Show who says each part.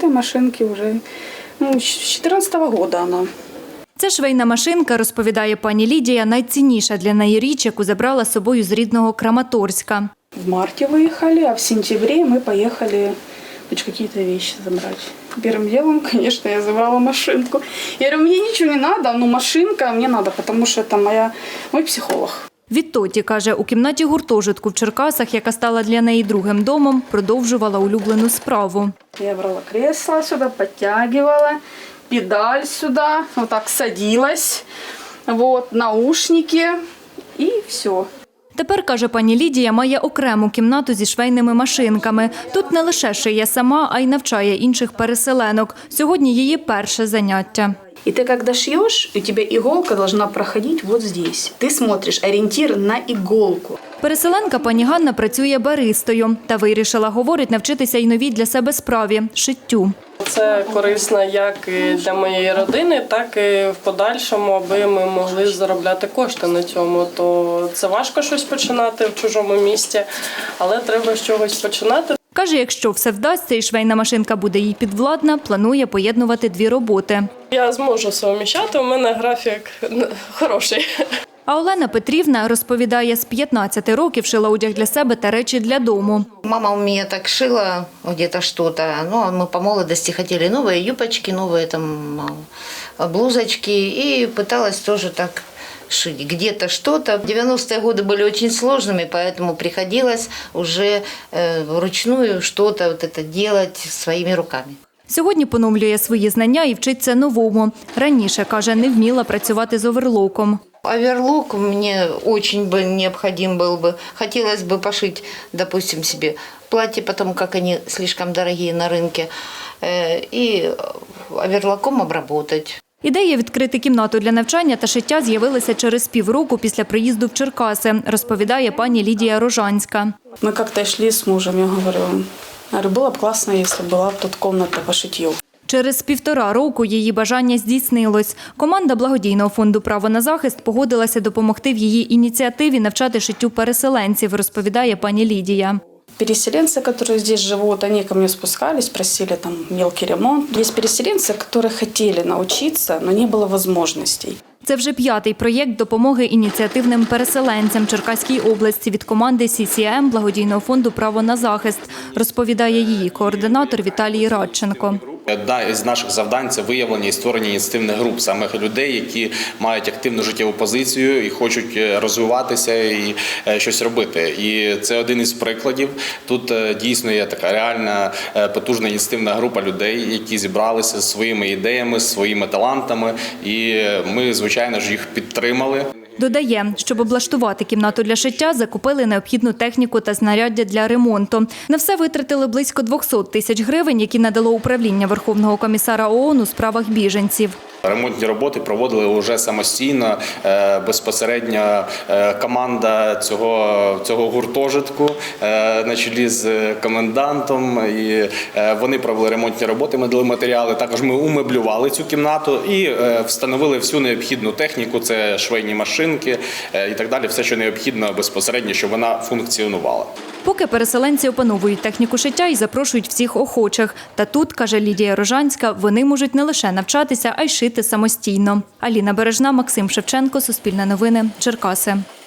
Speaker 1: этой машинке уже с 2014 года она.
Speaker 2: Ця швейна машинка, розповідає пані Лідія, найцінніша для неї річ, яку забрала з собою з рідного Краматорська.
Speaker 1: В марте выехали, а в сентябре мы поехали хоть какие-то вещи забрать. Первым делом, конечно, я забрала машинку. Я говорю, мне ничего не надо, но машинка мне надо, потому что это мой психолог.
Speaker 2: Відтоді, каже, у кімнаті гуртожитку в Черкасах, яка стала для неї другим домом, продовжувала улюблену справу.
Speaker 1: Я брала кресло сюда, подтягивала, педаль сюда, вот так садилась, вот, наушники и все.
Speaker 2: Тепер, каже пані Лідія, має окрему кімнату зі швейними машинками. Тут не лише шиє сама, а й навчає інших переселенок. Сьогодні її перше заняття.
Speaker 1: И ты когда шьешь, у тебя иголка должна проходить вот здесь. Ты смотришь ориентир на иголку.
Speaker 2: Переселенка пані Ганна працює баристою та вирішила, говорить, навчитися й новій для себе справі – шиттю.
Speaker 3: Це корисно як і для моєї родини, так і в подальшому, аби ми могли заробляти кошти на цьому. То це важко щось починати в чужому місті, але треба з чогось починати.
Speaker 2: Каже, якщо все вдасться і швейна машинка буде їй підвладна, планує поєднувати дві роботи.
Speaker 3: Я зможу совміщати, у мене графік хороший.
Speaker 2: А Олена Петрівна розповідає, з 15 років шила одяг для себе та речі для дому.
Speaker 4: Мама у меня так шила где-то что-то. Ну, мы по молодости хотели новые юбочки, новые там блузочки. И пыталась тоже так шить где-то что-то. 90-е годы были очень сложными, поэтому приходилось уже вручную что-то вот это делать своими руками.
Speaker 2: Сьогодні поновлює свої знання і вчиться новому. Раніше, каже, не вміла працювати з оверлоком.
Speaker 4: Оверлок мне очень бы необходим был бы. Хотелось бы пошить, допустим, себе платье, потому как они слишком дорогие на рынке, и оверлоком обработать.
Speaker 2: Ідея відкрити кімнату для навчання та шиття з'явилася через півроку після приїзду в Черкаси, розповідає пані Лідія Рожанська.
Speaker 1: Мы как-то шли с мужем, я говорю, было бы классно, если была бы тут комната по шитью.
Speaker 2: Через 1,5 року її бажання здійснилось. Команда благодійного фонду «Право на захист» погодилася допомогти в її ініціативі навчати шиттю переселенців, розповідає пані Лідія.
Speaker 1: Переселенцы, которые здесь живут, они ко мне спускались, просили там мелкий ремонт. Есть переселенцы, которые хотели научиться, но не было возможностей.
Speaker 2: Це вже 5-й проєкт допомоги ініціативним переселенцям Черкаській області від команди CCM благодійного фонду «Право на захист», розповідає її координатор Віталій Радченко.
Speaker 5: Одна із наших завдань – це виявлення і створення ініціативних груп, саме людей, які мають активну життєву позицію і хочуть розвиватися і щось робити. І це один із прикладів. Тут дійсно є така реальна потужна ініціативна група людей, які зібралися зі своїми ідеями, своїми талантами, і ми, звичайно ж, їх підтримали.
Speaker 2: Додає, щоб облаштувати кімнату для шиття, закупили необхідну техніку та знаряддя для ремонту. На все витратили близько 200 тисяч гривень, які надало управління Верховного комісара ООН у справах біженців.
Speaker 5: Ремонтні роботи проводили вже самостійно, безпосередньо команда цього гуртожитку на чолі з комендантом. І вони провели ремонтні роботи, ми дали матеріали. Також ми умеблювали цю кімнату і встановили всю необхідну техніку, це швейні машинки і так далі, все, що необхідно безпосередньо, щоб вона функціонувала.
Speaker 2: Поки переселенці опановують техніку шиття і запрошують всіх охочих. Та тут, каже Лідія Рожанська, вони можуть не лише навчатися, а й шити самостійно. Аліна Бережна, Максим Шевченко, Суспільне новини, Черкаси.